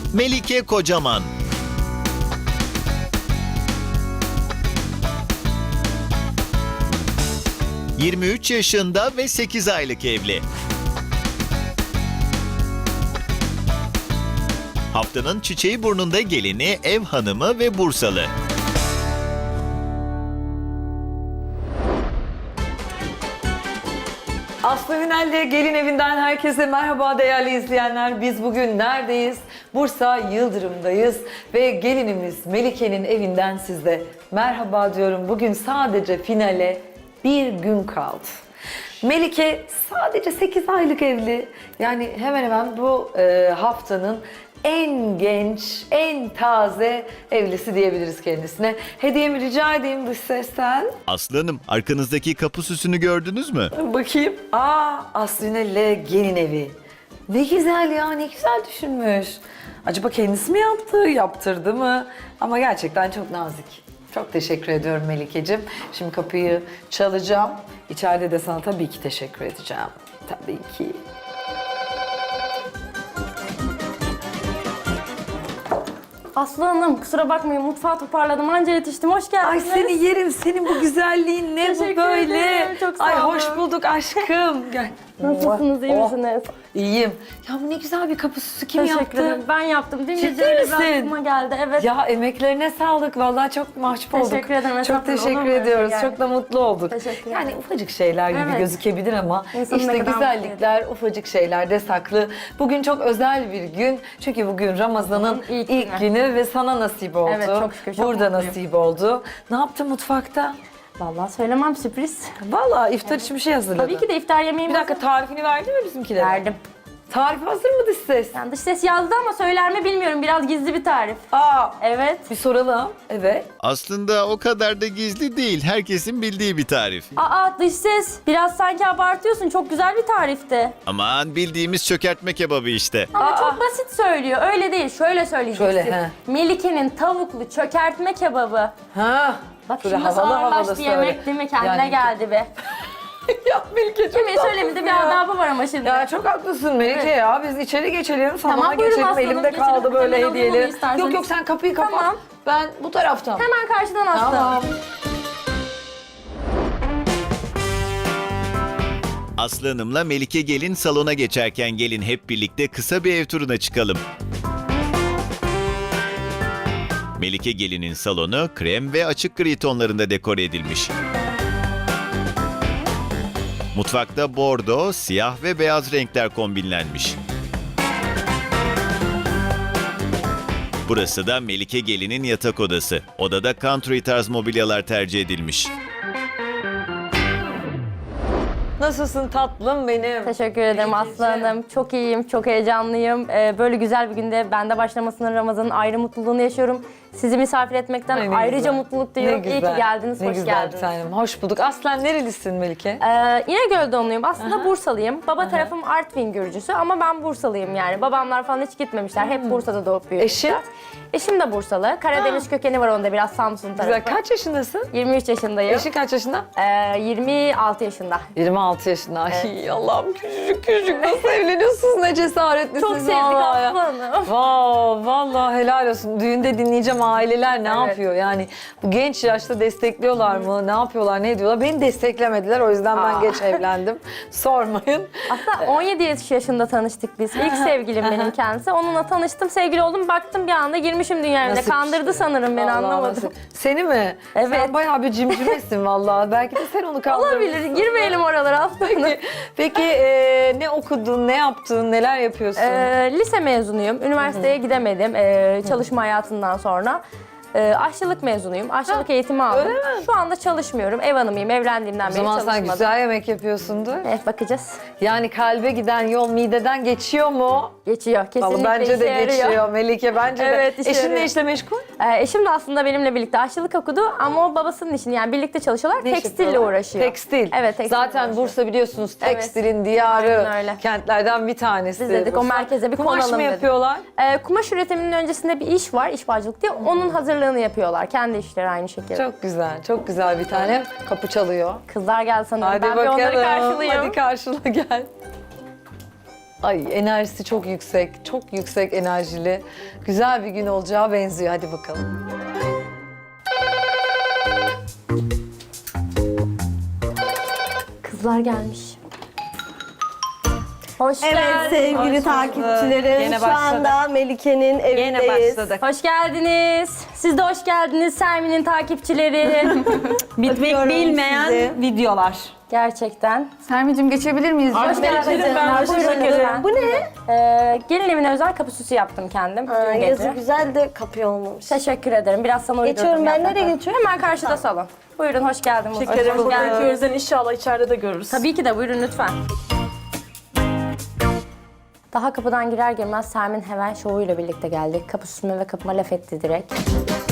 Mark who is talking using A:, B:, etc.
A: Melike Kocaman. ...23 yaşında ve 8 aylık evli. Haftanın çiçeği burnunda gelini, ev hanımı ve Bursalı.
B: Aslı Ünal'le Gelin Evi'nden herkese merhaba değerli izleyenler. Biz bugün neredeyiz? Bursa Yıldırım'dayız ve gelinimiz Melike'nin evinden size merhaba diyorum. Bugün sadece finale bir gün kaldı. Melike sadece 8 aylık evli. Yani hemen hemen bu haftanın en genç, en taze evlisi diyebiliriz kendisine. Hediyemi rica edeyim dış sesten.
A: Aslı Hanım, arkanızdaki kapı süsünü gördünüz mü?
B: Bakayım. Aslı Ünal'le Gelin Evi. Ne güzel ya, ne güzel düşünmüş. Acaba kendisi mi yaptı, yaptırdı mı? Ama gerçekten çok nazik. Çok teşekkür ediyorum Melike'cim. Şimdi kapıyı çalacağım. İçeride de sana tabii ki teşekkür edeceğim. Tabii ki.
C: Aslı Hanım, kusura bakmayın, mutfağı toparladım, anca yetiştim. Hoş
B: Ay
C: geldiniz.
B: seni yerim, senin bu güzelliğin ne bu
C: Teşekkür
B: böyle?
C: ederim, çok sağ
B: Ay
C: olun.
B: hoş bulduk aşkım. Gel.
C: Nasılsınız, iyi
B: Oh.
C: misiniz?
B: İyiyim. Ya bu ne güzel bir kapı süsü, kim
C: Teşekkür
B: yaptı?
C: ederim. Ben yaptım. Dün
B: Ciddi
C: gece öyle
B: misin?
C: bir aklıma geldi. Evet.
B: Ya emeklerine sağlık. Vallahi çok mahcup olduk.
C: Teşekkür ederim,
B: Çok
C: estağfurullah. Olur
B: teşekkür
C: mu öyle
B: ediyoruz.
C: şey yani?
B: Çok da mutlu olduk.
C: Teşekkür
B: Yani
C: ederim.
B: ufacık şeyler gibi
C: Evet.
B: gözükebilir ama
C: İnsanın
B: işte
C: ne kadar
B: güzellikler ufacık şeylerde saklı. Bugün çok özel bir gün. Çünkü bugün Ramazan'ın
C: İlk
B: ilk
C: günü.
B: günü ve sana nasip oldu.
C: Evet, çok şükür, çok
B: Burada
C: mutluyum.
B: nasip oldu. Ne yaptın mutfakta?
C: Vallahi söylemem, sürpriz.
B: Vallahi iftar için bir şey hazırladın.
C: Tabii ki de iftar yemeğimi
B: Bir dakika, tarifini verdin mi bizimkilere?
C: verdim.
B: Tarif hazır mı dış ses?
C: Yani dış ses yazdı ama söyler mi bilmiyorum. Biraz gizli bir tarif. Evet.
B: Bir soralım. Evet.
A: Aslında o kadar da gizli değil. Herkesin bildiği bir tarif.
C: Dış ses. Biraz sanki abartıyorsun. Çok güzel bir tarifti.
A: Aman, bildiğimiz çökertme kebabı işte.
C: Ama çok basit söylüyor. Öyle değil. Şöyle söyleyeceksin.
B: Şöyle, he.
C: Melike'nin tavuklu çökertme kebabı.
B: Ha.
C: Bak
B: Böyle
C: şimdi nasıl
B: havalı havalı
C: ağırlaştı
B: söyle.
C: yemek değil mi? Kendine
B: Yani-
C: geldi be.
B: Ya Melike çok
C: Yemeği
B: tatlısın
C: söylemede bir
B: ya.
C: adabı var ama şimdi.
B: Ya çok haklısın Melike
C: Evet.
B: ya. Biz içeri geçelim, salona
C: Tamam, buyurun
B: geçelim.
C: aslanım,
B: Elimde
C: geçelim.
B: kaldı böyle
C: Hemen alayım onu
B: hediyeleri.
C: isterseniz.
B: Yok yok, sen kapıyı kapat.
C: Tamam.
B: Ben bu taraftan.
C: Hemen karşıdan astım.
B: Tamam.
A: Aslı Hanım'la Melike gelin salona geçerken gelin hep birlikte kısa bir ev turuna çıkalım. Melike gelinin salonu krem ve açık gri tonlarında dekore edilmiş. Mutfakta bordo, siyah ve beyaz renkler kombinlenmiş. Burası da Melike gelinin yatak odası. Odada country tarz mobilyalar tercih edilmiş.
B: Nasılsın tatlım benim?
C: Teşekkür ederim Aslı Hanım. Çok iyiyim, çok heyecanlıyım. Böyle güzel bir günde bende başlamasının, Ramazan'ın ayrı mutluluğunu yaşıyorum. Sizi misafir etmekten
B: Ay, ne
C: ayrıca
B: güzel.
C: mutluluk
B: Ne
C: duyuyorum. İyi ki
B: güzel.
C: geldiniz,
B: Ne
C: hoş
B: güzel
C: geldiniz.
B: bir tanem. Hoş bulduk. Aslen nerelisin Melike?
C: İnegöl doğumluyum. Aslında Bursalıyım. Baba tarafım Artvin Gürcüsü ama ben Bursalıyım yani. Babamlar falan hiç gitmemişler. Hep Bursa'da doğup büyümüşler.
B: Eşin?
C: Eşim de Bursalı. Karadeniz kökeni var onda, biraz Samsun tarafı.
B: Güzel. Kaç yaşındasın?
C: 23 yaşındayım.
B: Eşin kaç yaşında?
C: 26 yaşında.
B: 26 yaşında. Ay Allah'ım, küçücük küçücük nasıl evleniyorsunuz, ne cesaretlisiniz.
C: Çok sevdik
B: vallahi ya.
C: Aslı Hanım.
B: Vallahi helal olsun. Düğünde dinleyeceğim aileler ne
C: Evet.
B: yapıyor yani, bu genç yaşta destekliyorlar mı, ne yapıyorlar, ne ediyorlar. Beni desteklemediler, o yüzden ben geç evlendim. Sormayın.
C: Aslında 17 yaşında tanıştık biz. İlk sevgilim benim kendisi. Onunla tanıştım, sevgili oldum. Baktım bir anda girmişim dünya evine.
B: Nasip
C: Kandırdı
B: işte.
C: sanırım beni,
B: Vallahi
C: anlamadım.
B: nasip. Seni mi?
C: Evet.
B: Sen bayağı bir cimcimesin vallahi. Belki de sen onu kandırmışsın.
C: Olabilir, girmeyelim oralara aslında.
B: Peki ne okudun, ne yaptın, neler yapıyorsun?
C: Lise mezunuyum. Üniversiteye gidemedim çalışma hayatından sonra. Aşçılık mezunuyum. Aşçılık eğitimi aldım.
B: öyle mi?
C: Şu anda çalışmıyorum. Ev hanımıyım. Evlendiğimden
B: O
C: beri
B: zaman
C: çalışmadım.
B: sen güzel yemek yapıyorsundur.
C: Evet, bakacağız.
B: Yani kalbe giden yol mideden geçiyor mu?
C: Geçiyor. Kesinlikle
B: Vallahi bence
C: işe
B: de
C: yarıyor.
B: geçiyor Melike, bence
C: Evet,
B: de.
C: işe
B: Eşin
C: yarıyor.
B: ne işle meşgul?
C: Eşim de aslında benimle birlikte aşçılık okudu ama o babasının işini, yani birlikte çalışıyorlar.
B: Ne iş
C: Tekstille
B: yapıyorlar?
C: uğraşıyor.
B: Tekstil.
C: Evet, tekstil
B: Zaten
C: uğraşıyor.
B: Bursa biliyorsunuz
C: Evet.
B: tekstilin diyarı,
C: Aynen öyle.
B: kentlerden bir tanesi.
C: Biz dedik o
B: Bursa.
C: merkeze bir
B: Kumaş
C: konalım
B: mı
C: dedik.
B: yapıyorlar?
C: Kumaş üretiminin öncesinde bir iş var, işbacılık diye. Onun hazırlığını yapıyorlar. Kendi işleri aynı şekilde.
B: Çok güzel, çok güzel bir tane. Kapı çalıyor.
C: Kızlar geldi sanırım.
B: Hadi
C: Ben
B: bakalım.
C: bir onları karşılayayım.
B: Hadi karşıla gel. Ay enerjisi çok yüksek, çok yüksek enerjili. Güzel bir gün olacağı benziyor. Hadi bakalım.
C: Kızlar gelmiş. Hoş
D: Evet
C: geldiniz.
D: sevgili takipçilerim,
B: Yine
D: şu
B: başladık.
D: anda Melike'nin evindeyiz.
C: Hoş geldiniz. Siz de hoş geldiniz Sermin'in takipçileri.
E: Bitmek
D: Öpüyorum
E: bilmeyen
D: sizi.
E: videolar.
C: Gerçekten.
F: Sermicim geçebilir miyiz?
C: Hoş geldiniz.
E: Hoş geldin.
D: Bu ne?
C: Gelin evine özel kapı süsü yaptım kendim. Dün
D: Yazı
C: gece.
D: güzel de kapı olmamış.
C: Teşekkür ederim. Biraz sana uydurdum.
D: Geçiyorum, ben
C: yaprakları.
D: nereye geçiyorum?
C: Hemen karşıda salon. Buyurun hoş geldin. Mustafa.
E: Şekerim
C: Hoş
E: burada
C: geldin.
E: gözden inşallah içeride de görürüz.
C: Tabii ki de buyurun lütfen. Daha kapıdan girer girmez Sermin hemen şovuyla birlikte geldi. Kapı süsüme ve kapıma laf etti direkt.